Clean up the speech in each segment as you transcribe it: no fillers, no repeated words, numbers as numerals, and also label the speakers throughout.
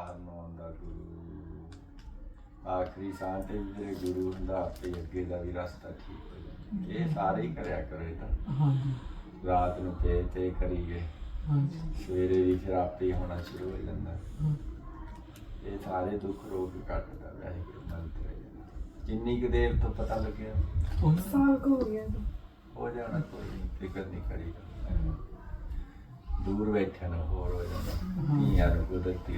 Speaker 1: ਬਾਹਰ ਨੂੰ ਆਉਂਦਾ ਗੁਰੂ, ਆਖਰੀ ਸਾਹ ਤੇ ਵੀ ਜਿਹੜੇ ਗੁਰੂ ਹੁੰਦਾ ਆਪੇ ਅੱਗੇ ਦਾ ਵੀ ਰਸਤਾ ਠੀਕ ਹੋ ਜਾਂਦਾ। ਇਹ ਸਾਰੇ ਹੀ ਕਰਿਆ ਕਰੋ ਇਹ ਤਾਂ।
Speaker 2: ਹਾਂਜੀ
Speaker 1: ਰਾਤ ਨੂੰ ਤੇ ਕਰੀਏ,
Speaker 2: ਹਾਂਜੀ
Speaker 1: ਸਵੇਰੇ ਵੀ ਫਿਰ ਆਪੇ ਹੀ ਹੋਣਾ ਸ਼ੁਰੂ ਹੋ ਜਾਂਦਾ।
Speaker 2: ਹਾਂ।
Speaker 1: ਇਹ ਸਾਰੇ ਦੁੱਖ ਰੋਗ ਕੱਟਦਾ ਵਾਹਿਗੁਰੂ ਮੰਤਰ ਹੈ। ਜਿੰਨੀ ਕੁ ਦੇਰ ਤੋਂ ਪਤਾ ਲੱਗਿਆ
Speaker 3: ਸਾਲ ਕੁ ਹੋ ਗਿਆ
Speaker 1: ਹੋ ਜਾਣਾ, ਕੋਈ ਨਹੀਂ, ਫਿਕਰ ਨਹੀਂ ਕਰੀ। ਦੂਰ ਬੈਠਿਆ ਨਾ ਹੋਰ ਹੋ ਜਾਂਦਾ। ਧੀਆਂ ਨੂੰ ਕੁਦਰਤੀ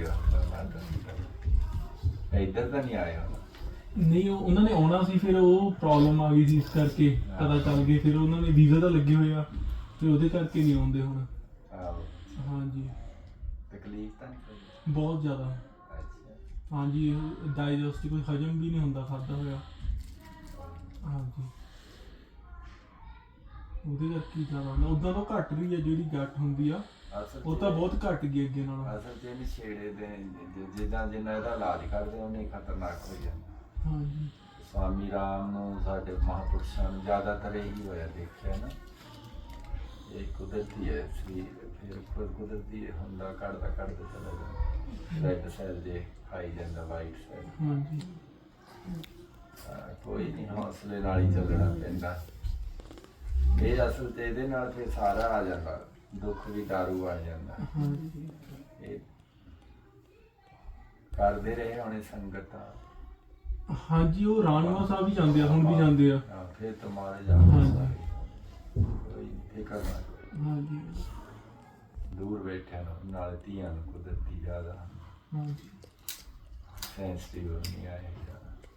Speaker 1: ਇੱਧਰ ਤਾਂ ਨਹੀਂ ਆਏ ਹੁਣ।
Speaker 2: ਨਹੀਂ ਉਹਨਾਂ ਨੇ ਆਉਣਾ ਸੀ, ਫਿਰ ਉਹ ਪ੍ਰੋਬਲਮ ਆ ਗਈ ਸੀ, ਇਸ ਕਰਕੇ ਪਤਾ ਚੱਲ ਗਿਆ। ਫਿਰ ਉਹਨਾਂ ਨੇ ਵੀਜ਼ਾ ਤਾਂ ਲੱਗੇ ਹੋਏ ਆ, ਫਿਰ ਉਹਦੇ ਕਰਕੇ ਨਹੀਂ ਆਉਂਦੇ ਹੁਣ।
Speaker 1: ਆਹੋ,
Speaker 2: ਹਾਂਜੀ
Speaker 1: ਤਕਲੀਫ ਤਾਂ ਨਹੀਂ ਕੋਈ?
Speaker 2: ਬਹੁਤ ਜ਼ਿਆਦਾ।
Speaker 1: ਅੱਛਾ,
Speaker 2: ਹਾਂਜੀ ਡਾਈਜੈਸਟ ਕੋਈ ਹਜਮ ਵੀ ਨਹੀਂ ਹੁੰਦਾ ਖਾਧਾ ਹੋਇਆ। ਹਾਂਜੀ ਉਹਦੇ ਕਰਕੇ ਹੀ ਜ਼ਿਆਦਾ ਹੁੰਦਾ। ਉੱਦਾਂ ਤਾਂ ਘੱਟ ਵੀ ਆ, ਜਿਹੜੀ ਗੱਠ ਹੁੰਦੀ ਆ
Speaker 1: ਅਸਲ
Speaker 2: ਉਹ ਤਾਂ ਬਹੁਤ ਘੱਟ ਗਈ ਅੱਗੇ ਨਾਲੋਂ।
Speaker 1: ਅਸਲ 'ਚ ਇਹਨੂੰ ਛੇੜੇ ਦੇ ਜਿੱਦਾਂ ਜਿੰਨਾ ਇਹਦਾ ਇਲਾਜ ਕਰਦੇ ਉਹਨੇ ਹੀ ਖਤਰਨਾਕ ਹੋ ਜਾਂਦਾ।
Speaker 2: ਹਾਂਜੀ
Speaker 1: ਸਵਾਮੀ ਰਾਮ ਨੂੰ, ਸਾਡੇ ਮਹਾਂਪੁਰਸ਼ਾਂ ਨੂੰ ਜ਼ਿਆਦਾਤਰ ਇਹੀ ਹੋਇਆ ਦੇਖਿਆ ਨਾ। ਇਹ ਕੁਦਰਤੀ ਹੈ ਸਰੀਰ, ਫਿਰ ਖੁਦ ਕੁਦਰਤੀ ਹੁੰਦਾ, ਘਟਦਾ ਚਲਾ ਜਾਂਦਾ। ਰੈੱਡ ਸੈੱਲ ਜੇ ਖਾਈ ਜਾਂਦਾ, ਵਾਈਟ ਸੈੱਲ।
Speaker 2: ਹਾਂਜੀ
Speaker 1: ਕੋਈ ਨਹੀਂ, ਹੌਸਲੇ ਨਾਲ ਹੀ ਚੱਲਣਾ ਪੈਂਦਾ। ਇਹ ਅਸਲ 'ਚ ਇਹਦੇ ਨਾਲ ਫਿਰ ਸਾਰਾ ਆ ਜਾਂਦਾ, ਦੁੱਖ ਵੀ ਦਾਰੂ ਆ ਜਾਂਦਾ।
Speaker 2: ਹਾਂਜੀ
Speaker 1: ਇਹ ਕਰਦੇ ਰਹੇ ਹੋਣੇ ਸੰਗਤਾਂ।
Speaker 2: ਹਾਂਜੀ ਉਹ ਰਾਣਵਾ ਸਾਹਿਬ ਵੀ ਜਾਂਦੇ ਆ, ਹੁਣ ਵੀ ਜਾਂਦੇ ਆ।
Speaker 1: ਹਾਂ, ਫਿਰ ਤਾਂ ਮਾਰੇ ਜਾਂਦੇ
Speaker 2: ਹਾਂਜੀ।
Speaker 1: ਸਾਰੇ। ਕੋਈ ਫਿਕਰ ਨਾ ਕਰੋ।
Speaker 2: ਹਾਂਜੀ
Speaker 1: ਦੂਰ ਬੈਠਿਆ ਨੂੰ ਨਾਲ ਧੀਆਂ ਨੂੰ ਕੁਦਰਤੀ ਜ਼ਿਆਦਾ
Speaker 2: ਹਾਂਜੀ
Speaker 1: ਸੈਂਸਿਟਿਵ ਨਹੀਂ ਆਏ ਜ਼ਿਆਦਾ।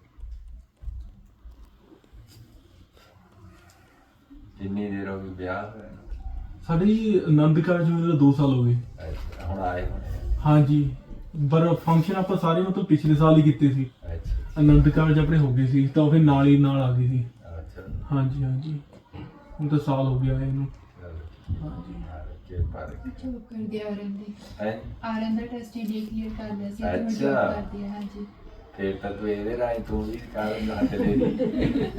Speaker 1: ਜਿੰਨੀ ਦੇਰ ਹੋ ਗਈ ਵਿਆਹ ਹੋਇਆ ਨੂੰ?
Speaker 2: ਸਾਡੀ ਆਨੰਦ ਕਾਰਜ ਹੋਏ ਨੂੰ 2 ਸਾਲ ਹੋ ਗਏ।
Speaker 1: ਅੱਛਾ, ਹੁਣ ਆਏ ਹੋਣੇ ਆ।
Speaker 2: ਹਾਂਜੀ ਪਰ ਫੰਕਸ਼ਨ ਆਪਾਂ ਸਾਰੇ ਮਤਲਬ ਪਿਛਲੇ ਸਾਲ ਹੀ ਕੀਤੇ ਸੀ।
Speaker 1: ਅੱਛਾ
Speaker 2: ਆਨੰਦ ਕਾਰਜ ਆਪਣੇ ਹੋ ਗਏ ਸੀ, ਤਾਂ ਫਿਰ ਨਾਲ ਹੀ ਨਾਲ ਆ ਗਈ ਸੀ।
Speaker 1: ਅੱਛਾ,
Speaker 2: ਹਾਂਜੀ ਹਾਂਜੀ ਹੁਣ ਤਾਂ ਸਾਲ ਹੋ ਗਿਆ ਇਹਨੂੰ।
Speaker 1: ਚਲੋ
Speaker 2: ਹਾਂਜੀ
Speaker 1: ਕੇ ਪਰ
Speaker 3: ਜੋਬ ਕਰਦੇ
Speaker 1: ਹੈ।
Speaker 3: ਆਰਨ ਦਾ ਟੈਸਟ ਹੀ ਕਲੀਅਰ ਕਰ ਲਿਆ ਸੀ।
Speaker 1: ਅੱਛਾ।
Speaker 3: ਕਰਦੀ ਹੈ ਹਾਂਜੀ।
Speaker 1: ਫਿਰ ਤਾਂ ਤੂੰ ਇਹਦੇ ਰਾਹੀਂ ਤੂੰ ਵੀ ਕਰ ਲਾ ਤੇ